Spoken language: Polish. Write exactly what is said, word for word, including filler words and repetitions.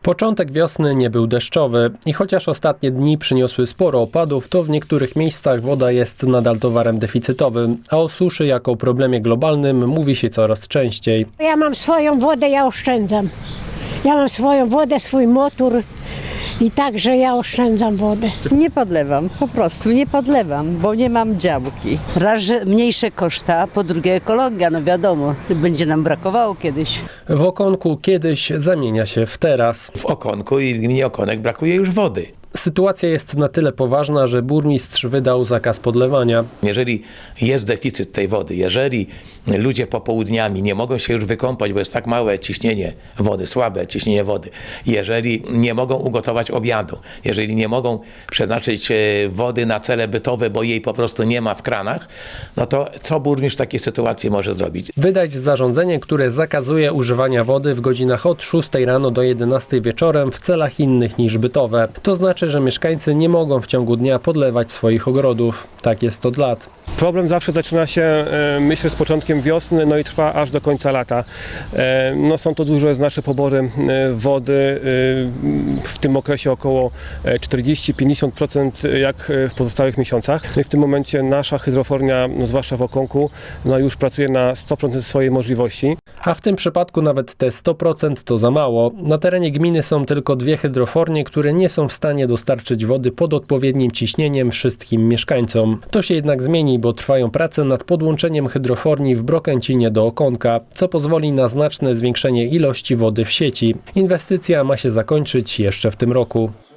Początek wiosny nie był deszczowy i chociaż ostatnie dni przyniosły sporo opadów, to w niektórych miejscach woda jest nadal towarem deficytowym, a o suszy jako problemie globalnym mówi się coraz częściej. Ja mam swoją wodę, ja oszczędzam. Ja mam swoją wodę, swój motor i także ja oszczędzam wodę. Nie podlewam, po prostu nie podlewam, bo nie mam działki. Raz, że mniejsze koszta, po drugie ekologia, no wiadomo, będzie nam brakowało kiedyś. W Okonku kiedyś zamienia się w teraz. W Okonku i w gminie Okonek brakuje już wody. Sytuacja jest na tyle poważna, że burmistrz wydał zakaz podlewania. Jeżeli jest deficyt tej wody, jeżeli ludzie popołudniami nie mogą się już wykąpać, bo jest tak małe ciśnienie wody, słabe ciśnienie wody, jeżeli nie mogą ugotować obiadu, jeżeli nie mogą przeznaczyć wody na cele bytowe, bo jej po prostu nie ma w kranach, no to co burmistrz w takiej sytuacji może zrobić? Wydać zarządzenie, które zakazuje używania wody w godzinach od szóstej rano do jedenastej wieczorem w celach innych niż bytowe. To znaczy, że mieszkańcy nie mogą w ciągu dnia podlewać swoich ogrodów. Tak jest od lat. Problem zawsze zaczyna się, myślę, z początkiem wiosny, no i trwa aż do końca lata. No, są to duże, znaczne pobory wody, w tym okresie około czterdzieści do pięćdziesięciu procent jak w pozostałych miesiącach. No i w tym momencie nasza hydrofornia, no, zwłaszcza w Okonku, no, już pracuje na sto procent swojej możliwości. A w tym przypadku nawet te sto procent to za mało. Na terenie gminy są tylko dwie hydrofornie, które nie są w stanie dostarczyć wody pod odpowiednim ciśnieniem wszystkim mieszkańcom. To się jednak zmieni, bo trwają prace nad podłączeniem hydroforni w Brokęcinie do Okonka, co pozwoli na znaczne zwiększenie ilości wody w sieci. Inwestycja ma się zakończyć jeszcze w tym roku.